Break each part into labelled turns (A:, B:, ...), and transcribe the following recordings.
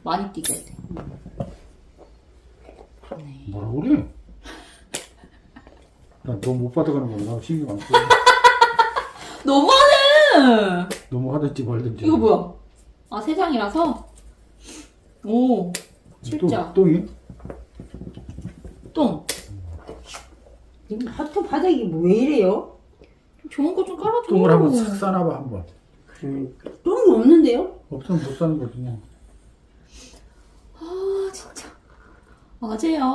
A: 많이 뛰게 돼. 네.
B: 뭐라 그래? 나 너 못 받아가는 거나 신경 안 써.
A: 너무하네!
B: 너무 하든지 말든지.
A: 이거 뭐야? 아, 세 장이라서? 오, 칠자.
B: 똥이?
A: 똥.
C: 하트 바닥이 왜 이래요?
A: 좋은 거 좀 깔아줘.
B: 똥을 한번 싹 싸놔봐 한번.
C: 그러니까 똥이 없는데요?
B: 없으면 못 사는 거지 뭐.
A: 아, 진짜. 아재야.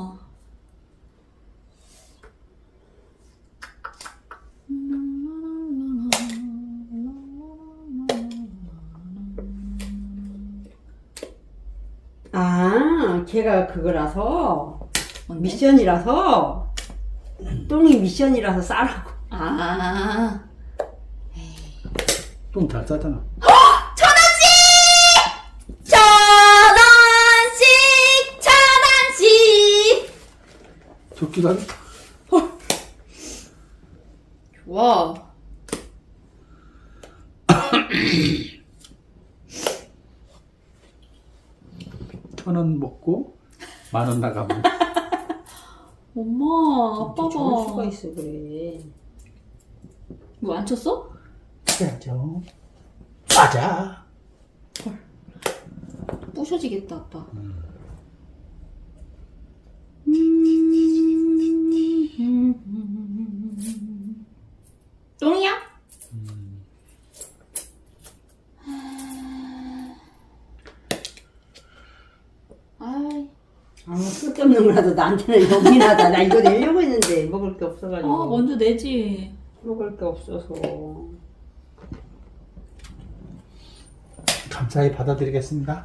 C: 아, 걔가 그거라서
A: 뭔데?
C: 미션이라서 똥이 미션이라서 싸라고.
A: 아,
B: 똥 잘 싸잖아.
A: 천원씩!
B: 좋기도 하네.
A: 좋아.
B: 1,000원 먹고 10,000원 나가면.
A: 엄마,
C: 좋을 수가
A: 아빠가.
C: 있어 그래.
A: 이거 안 쳤어?
B: 그래야죠. 맞아.
A: 부셔지겠다, 아빠. 똥이야? 아이,
C: 아무 쓸데없는 거라도 나한테는 여긴 하다. 나 이거 내려고 했는데 먹을 게 없어가지고.
A: 먼저 내지.
C: 먹을 게 없어서.
B: 감사히 받아드리겠습니다.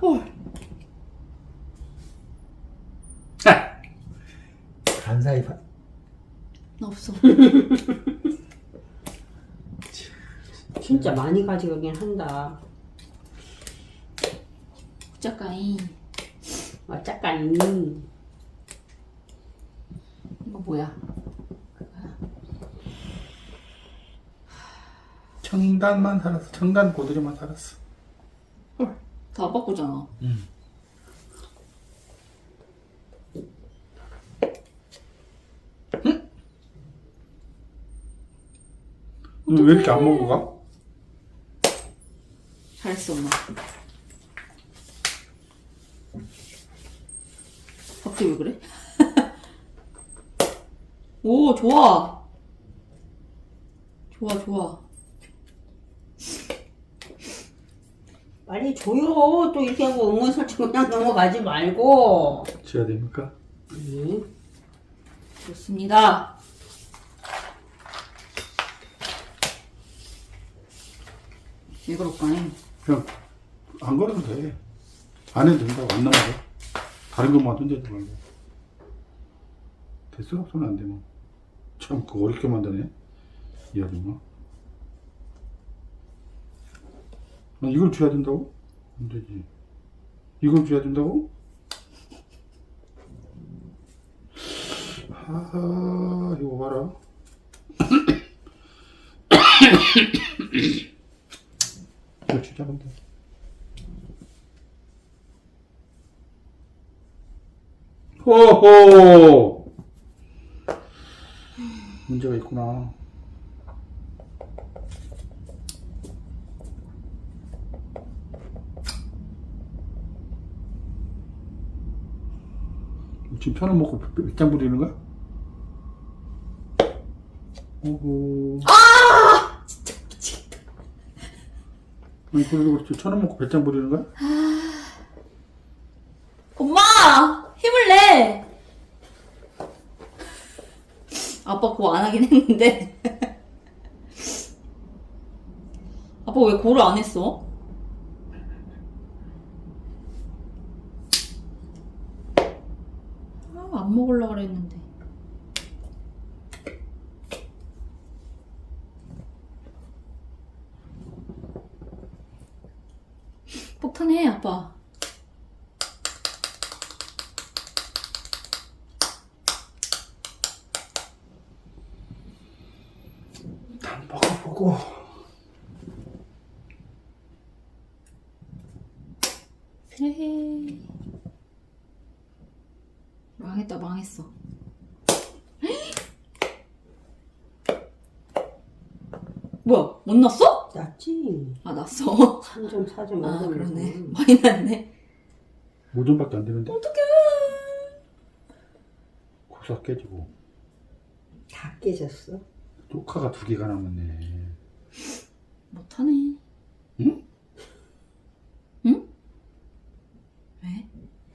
B: 감사히
A: 나 없어.
C: 진짜 많이 가져가긴 한다.
A: 작가인.
C: 어쩌까니.
A: 이거 뭐야?
B: 청단만 살았어. 청단 고드리만 살았어.
A: 다 아빠 거잖아.
B: 너 왜 이렇게 안 먹고 가?
A: 잘했어, 엄마. 갑자기 왜 그래? 오, 좋아. 좋아, 좋아.
C: 빨리 줘요. 또 이렇게 하고 응원 설정 그냥 넘어가지 말고.
B: 줘야 됩니까?
A: 좋습니다. 왜 그럴까요?
B: 그냥 안 걸어도 돼. 안 해도 된다고. 안 나가도. 다른 것만 던져도 말고. 됐어? 손 안 되면. 참 그거 어렵게 만드네. 이 아줌마. 이걸 줘야 된다고? 안 되지. 이걸 줘야 된다고? 하하, 이거 봐라. 이거 주자, 근데. 호호! 문제가 있구나. 지금 1,000원 먹고 몇장 부리는 거야? 오호. 아! 진짜 미치겠다. 아니, 그래도 그렇지. 1,000원 먹고 몇 장 부리는 거야?
A: 엄마! 힘을 내! 아빠 그거 안 하긴 했는데. 아빠 왜 고를 안 했어? 안 먹으려고 그랬는데. 폭탄해, 아빠.
B: 난 먹어보고.
A: 그래. 에헤이. 망했다, 망했어. 뭐야, 못 났어?
C: 낫지.
A: 아, 났어.
C: 3점, 4점,
A: 아,
C: 5점.
A: 그러네. 많이 났네.
B: 5점밖에 안 되는데.
A: 어떡해.
B: 고사 깨지고.
C: 다 깨졌어.
B: 조카가 2개가 남았네.
A: 못하네.
B: 응?
A: 응? 왜?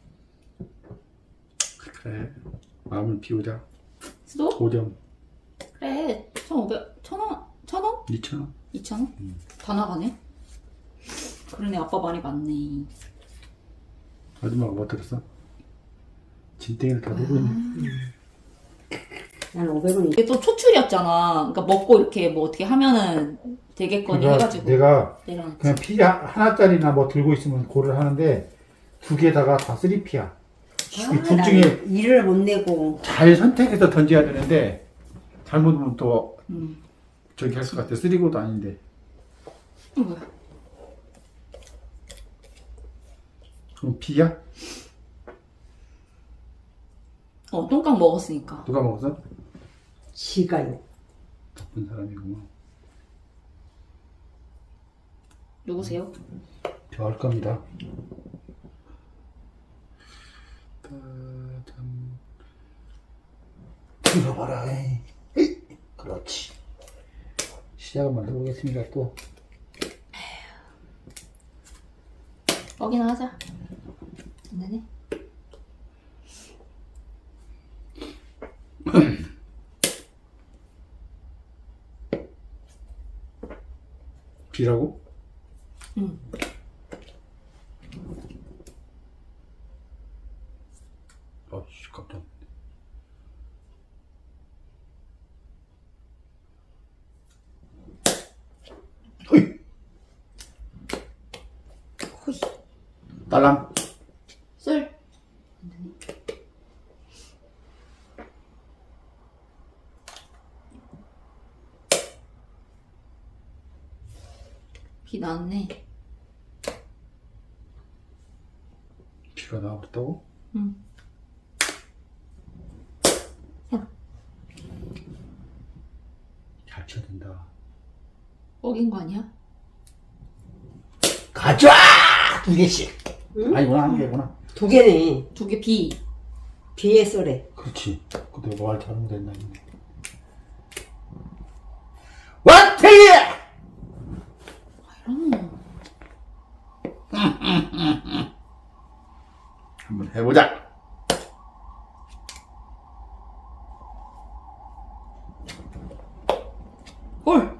B: 그래. 마음을 비우자.
A: 수도?
B: 5점.
A: 그래. 1,500, 1,000원? 1,000원?
B: 2,000원.
A: 2,000원? 다 나가네. 그러네, 아빠 말이 맞네.
B: 아줌마가 뭐 들었어? 진땡이를 다 보고 있네.
C: 난 500원이.
A: 이게 또 초출이었잖아. 그러니까 먹고 이렇게 뭐 어떻게 하면은 되겠거니 해가지고.
B: 내가
A: 내려놨지.
B: 그냥 피 하나짜리나 뭐 들고 있으면 고를 하는데 2개다가 다 3피야. 둘 중에
C: 일을 못 내고.
B: 잘 선택해서 던져야 되는데 잘못하면 또
A: 음.
B: 저기 할 것 같아. 3고도 아닌데.
A: 뭐야?
B: 그럼 피야?
A: 똥깡 먹었으니까.
B: 누가 먹었어?
C: 지가요.
B: 나쁜 사람이구만.
A: 누구세요?
B: 저 할 겁니다. 참. 들어봐라. 에이. 그렇지. 시작을 만들어 보겠습니다. 또.
A: 먹이나 하자. 안 되네.
B: 비라고?
A: 응.
B: 아씨 깜짝. 허이.
A: 호이.
B: 딸랑.
A: 술. 비 났네.
B: 비가 나왔다고?
A: 응.
B: 잘 쳐야 된다.
A: 먹인 거 아니야?
B: 가져와! 2개씩.
C: 응?
B: 아니구나, 1개구나.
C: 2개네.
A: 2개 비.
C: 비에 쏘래.
B: 그렇지. 근데 말 잘못했나, 이거. 왔태기!
A: 이런.
B: 한번 해보자.
A: 헐.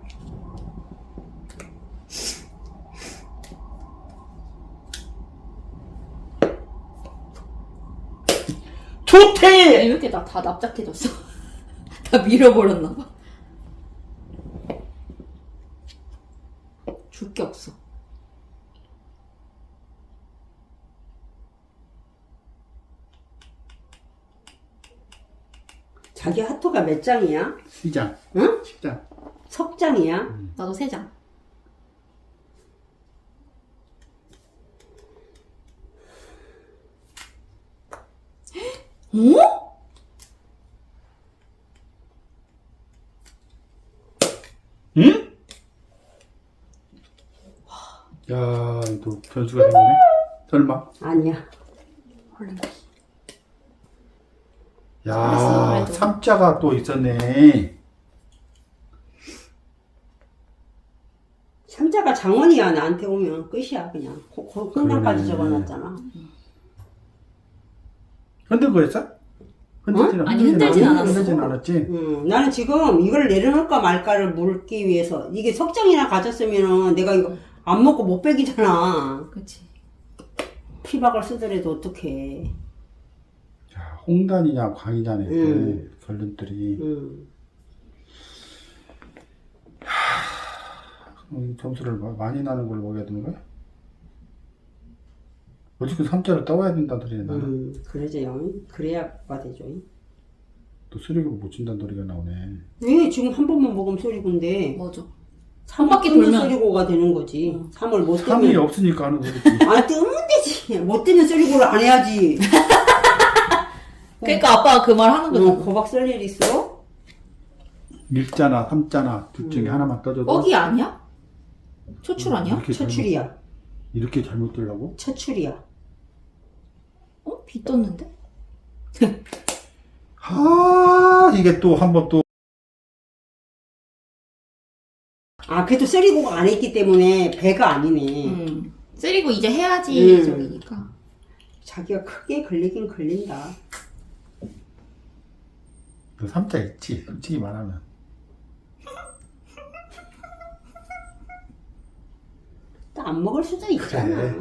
B: 좋대!
A: 왜 이렇게 다 납작해졌어? 다 밀어버렸나봐. 줄 게 없어.
C: 자기 하토가 몇 장이야?
B: 시장.
C: 응?
B: 시장.
C: 석장이야?
A: 나도 3장. 어?
B: 응? 야, 또 변수가 생기네? 설마?
C: 아니야.
A: 헐랭이.
B: 야,
A: 잘했어, 그래도.
B: 3자가 또 있었네.
C: 삼자가 장원이야. 나한테 오면 끝이야 그냥. 끝날까지
B: 그러네.
C: 적어놨잖아.
B: 흔들 거였어? 흔들지는
A: 아니, 흔들진 않았어.
B: 흔들진 않았지?
C: 나는 지금 이걸 내려놓을까 말까를 물기 위해서 이게 석장이나 가졌으면은 내가 이거 안 먹고 못 빼기잖아.
A: 그치.
C: 피박을 쓰더라도 어떡해.
B: 자, 홍단이냐 광이냐네. 결론들이. 점수를 많이 나는 걸 먹여야 되는 거야? 어쨌든 3자를 떠와야 된다는 소리네, 나는.
C: 그러죠. 그래야 되죠.
B: 또 수력을 못 준다는 소리가 나오네.
C: 왜 지금 한 번만 먹으면 소리군데
A: 뭐죠? 한 바퀴
C: 뜨면
A: 돌면.
C: 쏘리고가 되는 거지. 3을 못
B: 3이
C: 뜨면.
B: 없으니까 하는 거지.
C: 아, 뜨면 되지. 못 뜨면 쏘리고를 안 해야지.
A: 그러니까 아빠가 그 말 하는 거잖아.
C: 거박 쓸 일 있어?
B: 1자나 3자나 둘 중에 하나만 떠줘도
A: 뻑이 아니야? 초출 아니야?
B: 이렇게
C: 처출이야.
B: 이렇게 잘못 뜨려고?
C: 처출이야.
A: 어? 비 떴는데?
B: 이게 또 한 번 또
C: 아, 그래도 쏘리고가 안 했기 때문에 배가 아니네.
A: 쓰리고 이제 해야지
C: 음.
A: 저기니까.
C: 자기가 크게 걸리긴 걸린다.
B: 3자 있지 솔직히 말하면.
C: 또 안 먹을 수도 있잖아.
B: 그래.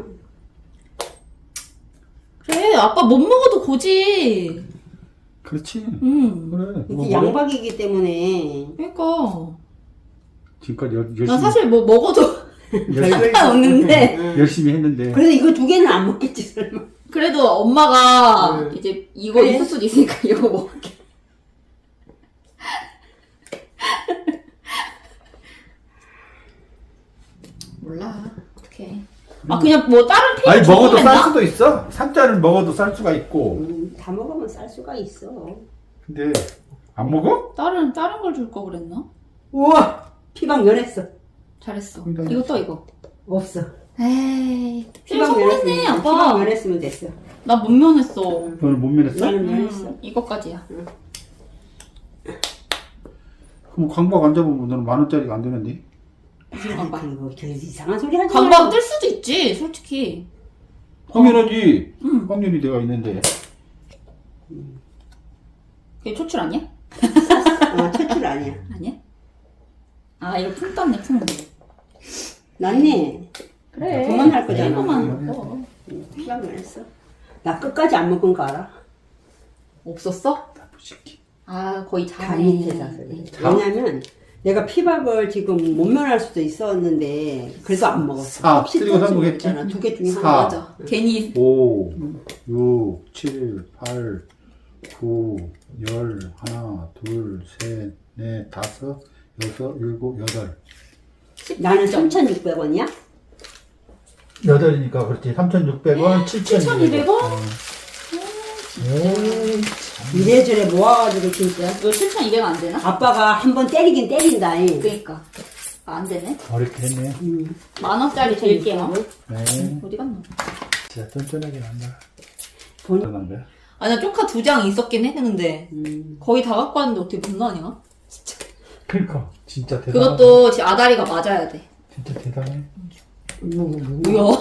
A: 그래 아빠 못 먹어도 고지.
B: 그렇지.
A: 응.
B: 그래.
C: 이게
B: 뭐
C: 양박이기 때문에
A: 그러니까
B: 지금까지 열심히
A: 난 사실 뭐 먹어도
B: 열심히,
A: 상관없는데
B: 열심히 했는데
C: 그래도 이거 두 개는 안 먹겠지 설마.
A: 그래도 엄마가
C: 응.
A: 이제 이거
C: 그래?
A: 있을 수도 있으니까 이거 먹을게. 몰라 어떡해. 아 그냥 뭐 다른 필요
B: 아니 먹어도
A: 적으면
B: 쌀
A: 나?
B: 수도 있어. 3자를 먹어도 쌀 수가 있고.
C: 다 먹으면 쌀 수가 있어.
B: 근데 안 먹어?
A: 다른 걸 줄 거 그랬나?
C: 우와, 피방 면했어.
A: 잘했어.
B: 굉장히
A: 이거 떠 이거.
C: 없어.
A: 에이
C: 피방
A: 성공했네
C: 피방
A: 아빠.
C: 면했으면 됐어.
A: 나 못 면했어.
B: 너는 못 면했어?
C: 나는 면했어.
A: 이거까지야.
B: 그럼 광박 안 잡으면 너는 10,000원짜리가 안 되는데?
A: 무슨 강박?
C: 그리고 저 이상한 소리 하지
A: 강박
C: 말고.
A: 뜰 수도 있지 솔직히.
B: 당연하지.
A: 응.
B: 확률이 내가 있는데.
A: 그게 초출 아니야?
C: 처출 아니야.
A: 아니야? 아 이거 풍 떴네 풍.
C: 낫네.
A: 그래.
C: 그만할 거잖아.
A: 이거만 먹어.
C: 피방 면했어. 나 끝까지 안 먹은 거 알아?
A: 없었어?
B: 나쁜 새끼.
A: 아 거의
C: 다
A: 자네.
C: 밑에 사서. 왜냐면 내가 피박을 지금 못 면할 수도 있었는데 그래도 안 먹었어.
B: 사.
C: 혹시
B: 그리고
C: 떨어지면
B: 성공했지?
C: 있잖아. 두 개 중에
B: 사.
C: 하나.
A: 맞아. 괜히
B: 5, 6, 7, 8, 9, 10, 하나, 둘, 셋, 넷, 다섯, 여섯, 일곱, 여덟.
C: 나는 3,600원이야?
B: 여덟이니까 그렇지. 3,600원,
A: 7,200원?
C: 이래저래 모아가지고 진짜.
A: 이거 7,200원 안 되나?
C: 아빠가 한 번 때리긴 때린다.
A: 그러니까. 아, 안 되네.
B: 어렵게 했네.
A: 10,000원짜리 드릴게요.
B: 네.
A: 어디 갔노?
B: 진짜 쫀쫀하게 난다.
C: 본-
B: 쫀쫀한 거야?
A: 아, 나 쪼카 2장 있었긴 했는데 거의 다 갖고 왔는데 어떻게 못 나냐?
B: 그러니까 진짜 대단하다.
A: 그것도 지 아다리가 맞아야 돼.
B: 진짜 대단해.
A: 뭐야?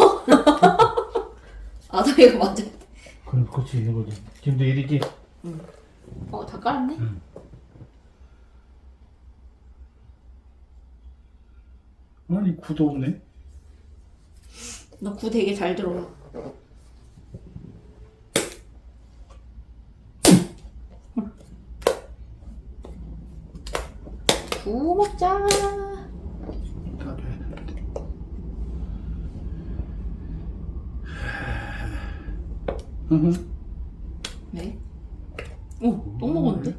A: 아다리가 맞아야 돼.
B: 그럼 그럴 수 있는 거지. 지금도 일이지?
A: 어, 다 깔았네?
B: 아니 구도 없네.
A: 너 구 되게 잘 들어라. 구 먹자.
B: 다 돼야 되는데.
A: 네? 어, 똥 먹었는데?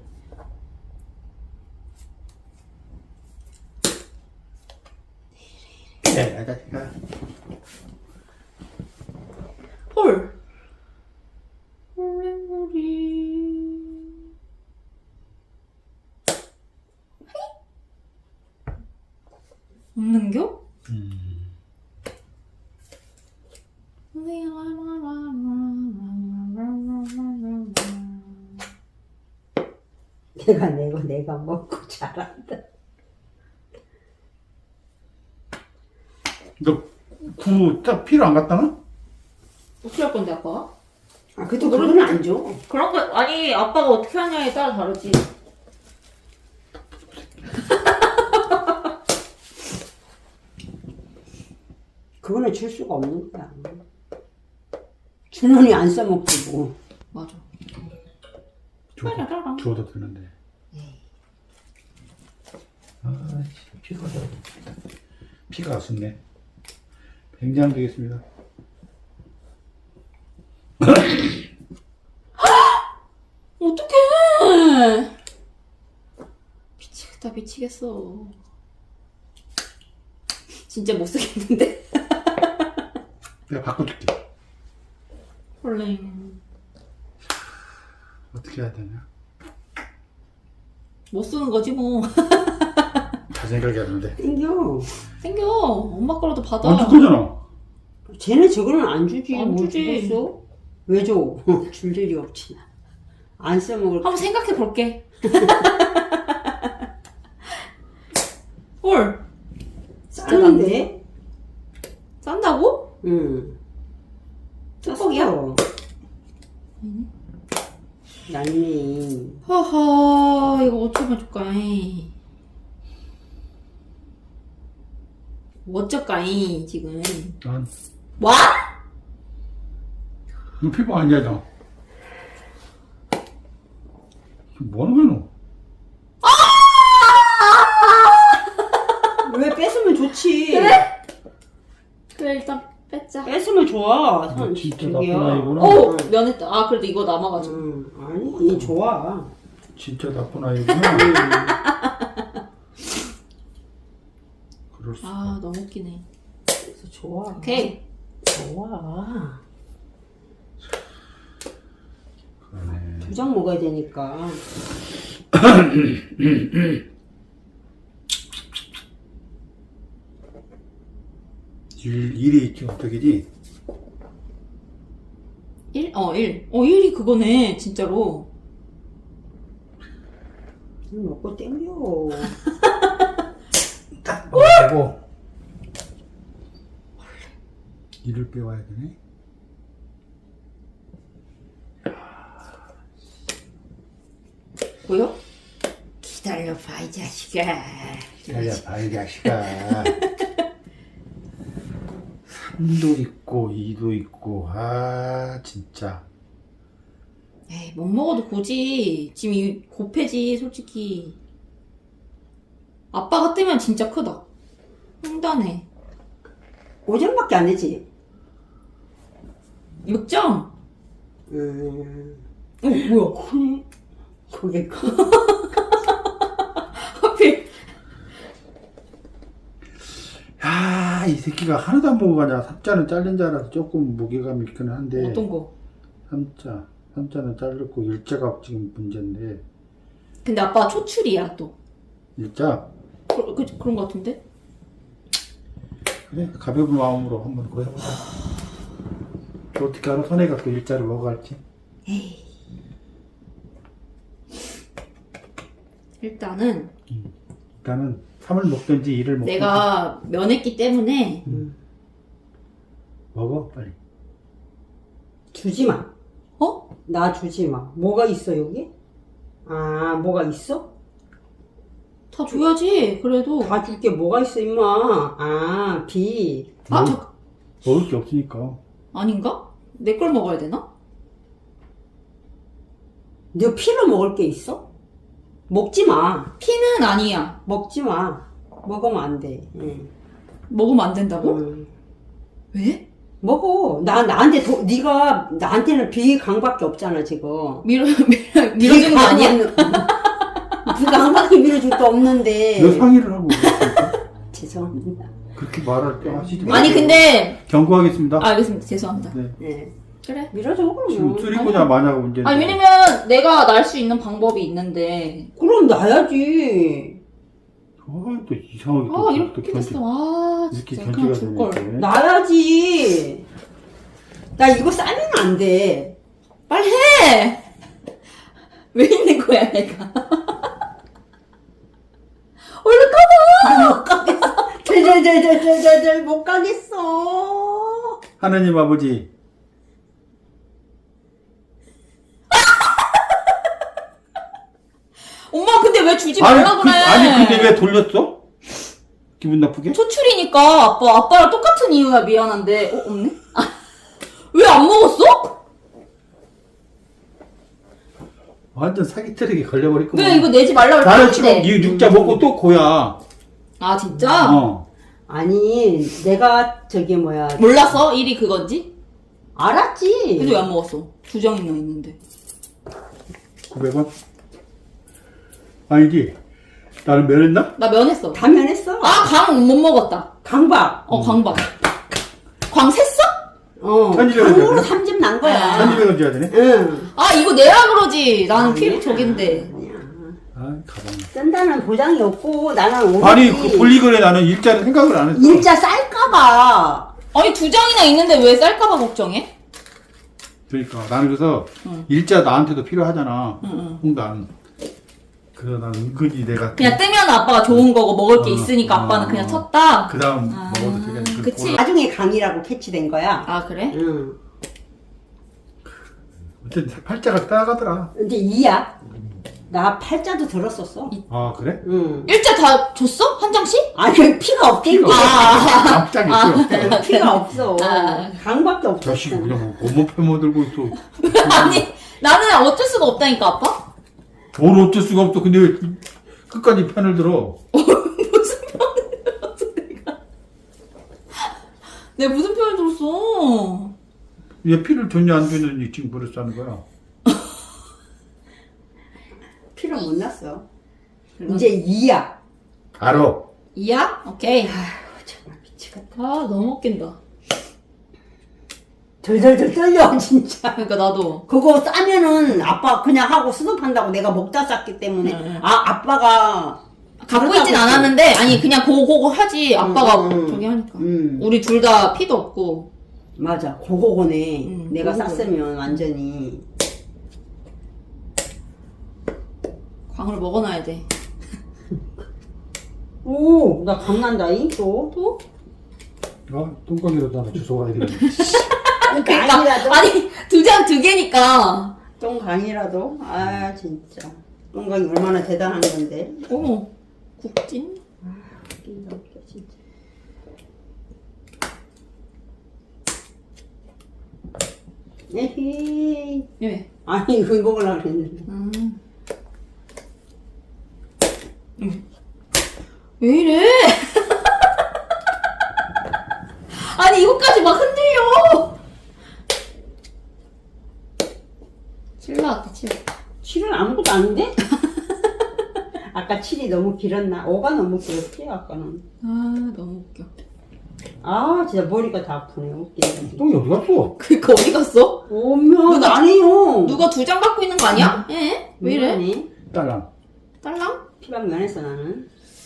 B: 야, 자식아.
A: 헐. 홀랭구리. 없는겨?
C: 내가 내고 내가 먹고 잘한다.
B: 너구딱 필요 안 갔다나?
A: 어떻게 할 건데, 아빠가?
C: 아, 그래도 그건 안 줘.
A: 그런 거, 아니, 아빠가 어떻게 하냐에 따라 다르지.
C: 그거는 줄 수가 없는 거야. 주머니 안 써먹지 뭐.
A: 맞아.
B: 주워도 되는데. 아, 피가 피가 아쉽네. 굉장히 되겠습니다.
A: 어떡해! 미치겠다, 미치겠어. 진짜 못 쓰겠는데.
B: 내가 바꿔줄게.
A: 헐랭.
B: 어떻게 해야 되냐?
A: 못 쓰는 거지 뭐.
B: 잘 생각이 안 나는데.
C: 땡겨.
A: 생겨. 엄마 거라도 받아.
B: 안 줄 거잖아.
C: 쟤네 저거는 안 주지.
A: 안
C: 뭘
A: 주지.
C: 주겠어? 왜 줘? 줄 일이 없지. 안 써먹을.
A: 한번 생각해 볼게. 헐.
C: 싸는데?
A: 싼다고?
C: 응.
A: 뚜껑이야?
C: 쌌어. 얄미.
A: 허허, 이거 어쩌면 좋까이. 어쩔까이, 지금.
B: 난
A: 와?
B: 이거 피부 아니야 너. 뭐 하는 거야 너?
C: 왜 뺏으면 좋지?
A: 그래? 그래, 일단 뺐자.
C: 뺏으면 좋아.
B: 너 진짜 나쁜
C: 저기요.
B: 아이구나.
A: 오! 면했다. 아, 그래도 이거 남아가지고.
C: 아니, 좋아.
B: 진짜 나쁜 아이구나. 그럴 수.
A: 아, 너무 웃기네.
C: 그래서 좋아.
A: 오케이.
C: 좋아.
B: 그러네.
C: 2장 먹어야 되니까.
B: 일이 있지 어떻게지?
A: 1? 1. 1이 그거네, 진짜로.
C: 먹고 땡겨.
B: 딱 먹고 일을 빼와야 되네.
A: 보여?
C: 기다려봐, 이 자식아.
B: 기다려봐 이 자식아. 3도 있고 2도 있고 아 진짜.
A: 에이, 못 먹어도 고지. 지금 이 고패지, 솔직히. 아빠가 뜨면 진짜 크다. 횡단해.
C: 5점밖에 안 되지?
A: 6점? 뭐야?
C: 크네. 그게 커.
A: 하필.
B: 야, 이 새끼가 하나도 안 먹어가냐. 3자는 잘린 줄 알아서 조금 무게감이 있기는 한데
A: 어떤 거?
B: 3자는 잘렸고 일자가 지금 문제인데.
A: 근데 아빠 초출이야, 또.
B: 일자?
A: 그런 거 같은데?
B: 그래 가벼운 마음으로 한번 그거 해보자. 또 어떻게 알아? 선혜가 또 일자를 먹어갈지.
A: 에이. 일단은
B: 일단은 3을 먹든지 2를 먹든지
A: 내가 면했기 때문에
B: 먹어 빨리.
C: 주지 마.
A: 어?
C: 나 주지 마. 뭐가 있어, 여기? 아, 뭐가 있어?
A: 다 줘야지. 그래도.
C: 다 줄 게 뭐가 있어, 임마. 아, 비.
A: 아,
B: 먹을 게 없으니까.
A: 아닌가? 내 걸 먹어야 되나?
C: 너 피로 먹을 게 있어? 먹지 마.
A: 피는 아니야.
C: 먹지 마. 먹으면 안 돼. 응.
A: 먹으면 안 된다고?
C: 응.
A: 왜?
C: 먹어. 나한테 네가 나한테는 비강밖에 없잖아, 지금.
A: 밀어주는 거 아니야?
C: 비강밖에 밀어줄 거 없는데.
B: 너 상의를 하고
C: 죄송합니다.
B: 그렇게 말할 때 하시지 마세요.
A: 아니, 근데.
B: 경고하겠습니다.
A: 알겠습니다. 죄송합니다.
B: 네.
C: 네.
A: 그래.
C: 밀어줘, 그러면.
B: 지금 쓰리고냐 마냐가 문제인데.
A: 아니, 왜냐면 내가 날 수 있는 방법이 있는데.
C: 그럼 나야지.
B: 또 이상하게
A: 아,
B: 또
A: 이렇게
B: 견제-
A: 됐어. 아,
B: 이렇게
A: 진짜. 그냥
B: 견제가
A: 줄걸.
B: 되네.
C: 나야지. 나 이거 싸면 안 돼.
A: 빨리 해! 왜 있는 거야, 내가? 얼른 가봐!
C: 못 가겠어. 덜덜덜덜덜덜 못 가겠어.
B: 하나님 아버지
A: 엄마, 근데 왜 주지 말라 그래?
B: 아니 근데 왜 돌렸어? 기분 나쁘게?
A: 초출이니까 아빠랑 똑같은 이유야. 미안한데. 없네? 아, 왜 안 먹었어?
B: 완전 사기 트랙에 걸려버렸구만.
A: 왜 이거 내지 말라고
B: 나는 지금
A: 했는데?
B: 이 육자 먹고 또 고야.
A: 아, 진짜?
C: 아니, 내가 저기 뭐야.
A: 몰랐어? 1이 그건지?
C: 알았지.
A: 근데 왜 안 먹었어? 2장이나 있는데.
B: 900원? 아니지. 나는 면했나?
A: 나 면했어.
C: 다 면했어.
A: 아, 강 못 먹었다.
C: 강박.
A: 광박. 광 샜어?
B: 1200원
C: 강으로
B: 줘야
C: 3집 난 거야.
B: 1200원 줘야 되네?
C: 응.
A: 아, 이거 내라 그러지. 나는 필
C: 아니야.
A: 저긴데.
C: 아니야.
B: 아, 가방.
C: 쓴다는 보장이 없고 나는 오늘
B: 아니, 그 분리거래 나는 일자를 생각을 안 했어.
C: 일자 쌀까봐.
A: 아니, 2장이나 있는데 왜 쌀까봐 걱정해?
B: 그러니까 나는 그래서
A: 응.
B: 일자 나한테도 필요하잖아.
A: 응.
B: 홍단. 그래서 난 은근히 내가
A: 그냥 뜨면 아빠가 좋은 거고 먹을 게 있으니까 아빠는 그냥 쳤다.
B: 그 다음
A: 아,
B: 먹어도 되겠네.
A: 그치.
C: 나중에 강이라고 캐치된 거야.
A: 아, 그래?
C: 응.
B: 어쨌든 팔자가 따라가더라.
C: 근데 2야. 나 팔자도 들었었어.
B: 아, 그래?
C: 응.
A: 일자 다 줬어? 한 장씩?
C: 아니 피가 없긴 게.
B: 깜짝이 있어.
C: 피가 없어.
A: 아.
C: 강밖에 없어.
B: 자식이 그냥 뭐 몸을 펴먹들고 있어.
A: 아니, 나는 어쩔 수가 없다니까, 아빠?
B: 뭘 어쩔 수가 없어. 근데 왜 끝까지 편을 들어?
A: 무슨 편을 들었어, 내가? 내가 무슨 편을 들었어?
B: 얘 피를 줬냐 안 줬는지 지금 버릇 하는 거야.
C: 피를 못 났어. 이제 2야.
B: 알아.
A: 이야? 오케이.
C: 정말 미치겠다.
A: 아, 너무 웃긴다.
C: 덜덜덜 떨려 진짜.
A: 그러니까 나도.
C: 그거 싸면은 아빠 그냥 하고 수습한다고 내가 먹다 쌌기 때문에
A: 응.
C: 아빠가
A: 갖고 있진 않았는데, 아니, 그냥 그거 하지. 아빠가
C: 응.
A: 저기 하니까.
C: 응.
A: 우리 둘 다 피도 없고.
C: 맞아 그거네. 내가
A: 그거네.
C: 쌌으면 완전히
A: 광을 먹어놔야 돼.
C: 오 나 강난다잉 또.
A: 또?
B: 똥강이라도 하나 주워 가야 되겠네.
C: 강이라도
A: 아니, 2장 2개니까.
C: 똥강이라도 아 진짜 똥강이 얼마나 대단한 건데.
A: 어머, 국진?
C: 웃긴다 웃겨 진짜. 에헤이.
A: 예.
C: 아니 이거 먹으려고 그랬는데.
A: 왜 이래? 아니, 이거까지 막 흔들려! 7 나왔다, 7.
C: 7은 아무것도 아닌데? 아까 7이 너무 길었나? 5가 너무 길었지 아까는.
A: 아, 너무 웃겨.
C: 아 진짜 머리가 다 아프네 웃기네.
B: 똥이 어디 갔어?
A: 그니까 어디 갔어?
C: 오면
A: 누가-
C: 안 해요.
A: 누가 2장 갖고 있는 거 아니야? 예? 왜 이래?
C: 미안해.
B: 딸랑.
A: 딸랑?
C: 피방 면했어 나는.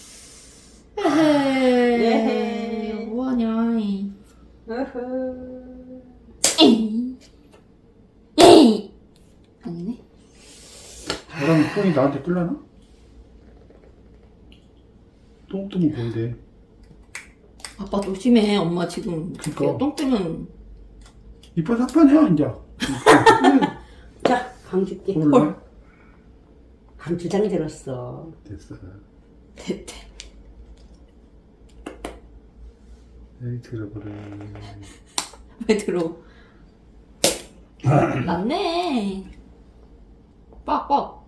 A: 에헤이.
C: 에헤이.
A: 뭐하냐.
C: 어허.
A: 에이. 에이. 아니네.
B: 너랑 똥이 나한테 뜰라나? 똥 보인대.
A: 아빠 조심해. 엄마 지금
B: 그니까.
A: 이렇게 똥 뜨면.
B: 이뻐 사판이야 이제.
C: 자, 강 줄게.
B: 헐.
C: 강 2장이 들었어.
B: 됐어.
A: 됐대.
B: 에이 들어버려.
A: 왜 들어? 낫네. 빡빡.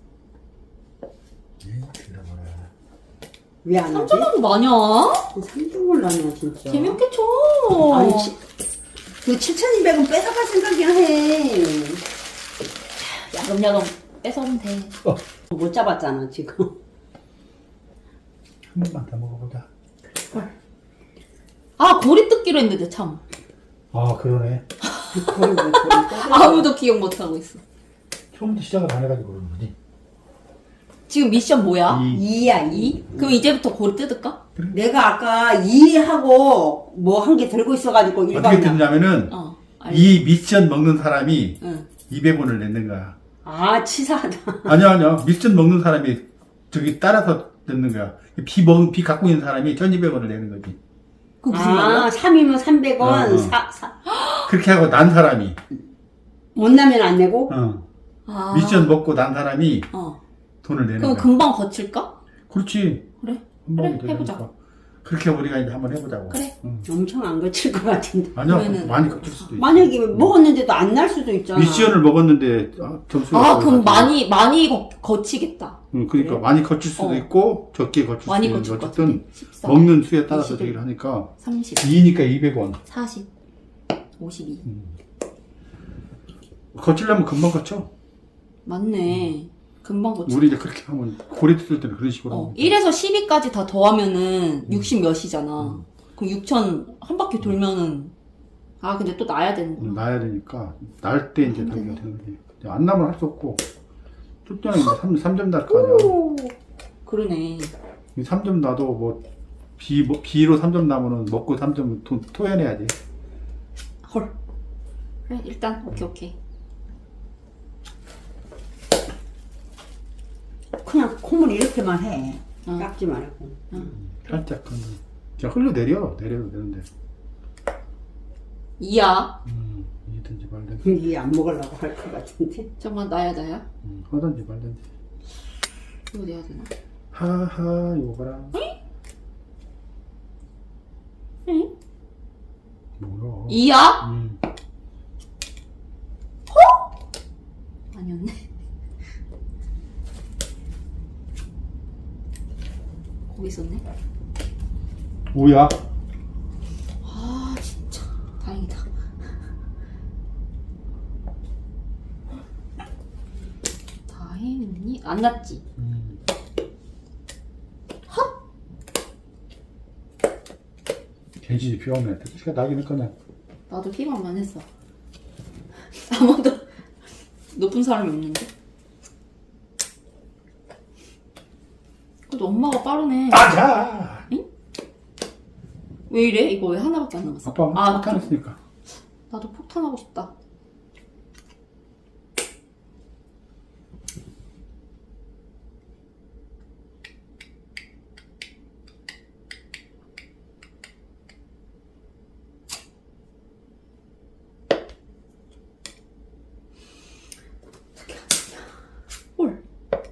B: 에이 들어버려.
C: 왜 안 하지?
A: 3점하고 마냐?
C: 3등을 나냐 진짜.
A: 재미없게 쳐.
C: 아니 그 7,200원 뺏어갈 생각이나 해.
A: 야금야금 뺏어오면 돼.
C: 못 잡았잖아 지금.
B: 한 번만 더 먹어보자.
A: 아, 고리 뜯기로 했는데 참.
B: 아 그러네.
C: 거의 뭐 거의
A: 아무도 기억 못하고 있어.
B: 처음부터 시작을 안 해가지고 그런 거지.
A: 지금 미션 뭐야?
C: 2야 2.
A: 2? 그럼 이제부터 고리 뜯을까?
C: 내가 아까 2하고 뭐 한 개 들고 있어가지고
B: 어떻게
C: 일반이야.
B: 됐냐면은
A: 어.
B: 이 미션 먹는 사람이
A: 응.
B: 200원을 냈는 거야.
C: 아 치사하다.
B: 아니야. 미션 먹는 사람이 저기 따라서 냈는 거야. 비 갖고 있는 사람이 1200원을 내는 거지.
A: 그 무슨
C: 아
A: 말이야?
C: 3이면 300원.
B: 어. 그렇게 하고 난 사람이.
C: 못 나면 안 내고.
A: 아.
B: 미션 먹고 난 사람이
A: 어.
B: 돈을 내는
A: 그럼
B: 거야.
A: 금방 거칠까?
B: 그렇지.
A: 그래.
B: 한 번에
A: 그래, 해보자.
B: 되니까. 그렇게 우리가 이제 한번 해보자고.
A: 그래.
B: 응.
C: 엄청 안 거칠 것 같은데.
B: 아니야.
A: 그러면은-
B: 많이 거칠 수도 있어.
C: 만약에 먹었는데도 안 날 수도 있잖아.
B: 미션을 먹었는데 점수가
A: 아, 그럼
B: 떨어져가지고.
A: 많이 거치겠다.
B: 응, 그러니까
A: 그래?
B: 많이 거칠 수도
A: 어.
B: 있고 적게 거칠 수도
A: 많이
B: 있는데
A: 거칠 것
B: 어쨌든
A: 같은데. 14,
B: 먹는 수에 따라서
A: 21,
B: 되기를 하니까
A: 30,
B: 2니까 200원.
A: 40, 52.
B: 거치려면 금방 거쳐.
A: 맞네. 금방 거치.
B: 우리 이제 그렇게 하면 고리 뜯을 때는 그런 식으로
A: 어,
B: 하면
A: 1에서 12까지 다 더하면은 60 몇이잖아. 그럼 6천 한 바퀴 돌면은 아 근데 또 놔야 되는구나.
B: 놔야 되니까 날 때 이제 달기가 되는 거지. 안 나면 할 수 없고 줄 때는 이제 3점 날 거 아니야.
A: 오, 그러네.
B: 3점 놔도 뭐 B로 3점 나면은 먹고 3점 토해내야지.
A: 헐. 그래 일단 오케이.
C: 그냥 콩을 이렇게만 해.
A: 응.
C: 깎지 말고.
B: 살짝 그냥 흘러내려도 되는데.
A: 이야.
B: 이든지 말든지.
C: 이게 안 먹으려고 할 것 같은데.
A: 잠깐 나야.
B: 하든지 말든지.
A: 이거 내야 되나?
B: 하하 요거라.
A: 응?
B: 뭐야?
A: 이야? 아니었네. 거기 있었네.
B: 뭐야?
A: 아 진짜 다행이다. 다행이니? 안 났지?
B: 돼지 비 오네. 택시가 나긴 했거든.
A: 나도 희망만 했어. 아무도 높은 사람이 없는데? 그래도 엄마가 빠르네.
B: 맞아!
A: 왜 이래? 이거 왜 하나밖에 안 남았어?
B: 아빠
A: 아,
B: 폭탄했으니까.
A: 나도 폭탄하고 싶다. 헐.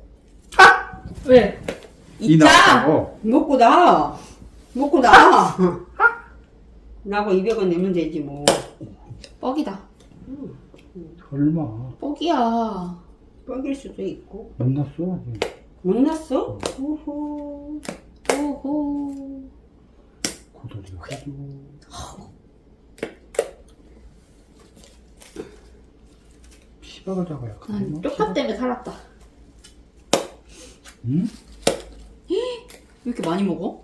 A: 왜?
B: 이
A: 있자!
B: 나왔다고.
C: 먹고 나. 먹고 나. 나고 200원 내면 되지 뭐.
A: 뻑이다.
B: 설마.
A: 뻑이야.
C: 뻑일 수도 있고.
B: 못 났어?
C: 못 났어? 오호.
A: 오호.
B: 고돌이 해줘. 피박을 잡아야
A: 난 쪽파 때문에 살았다.
B: 응?
A: 왜 이렇게 많이 먹어?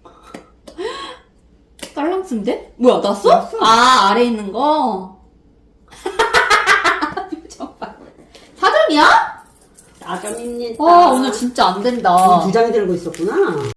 A: 딸랑스인데? 뭐야, 났어?
C: 났어.
A: 아, 아래 있는 거? 표정 봐. 4점이야?
C: 4점입니다.
A: 와, 오늘 진짜 안 된다.
C: 두 장이 들고 있었구나.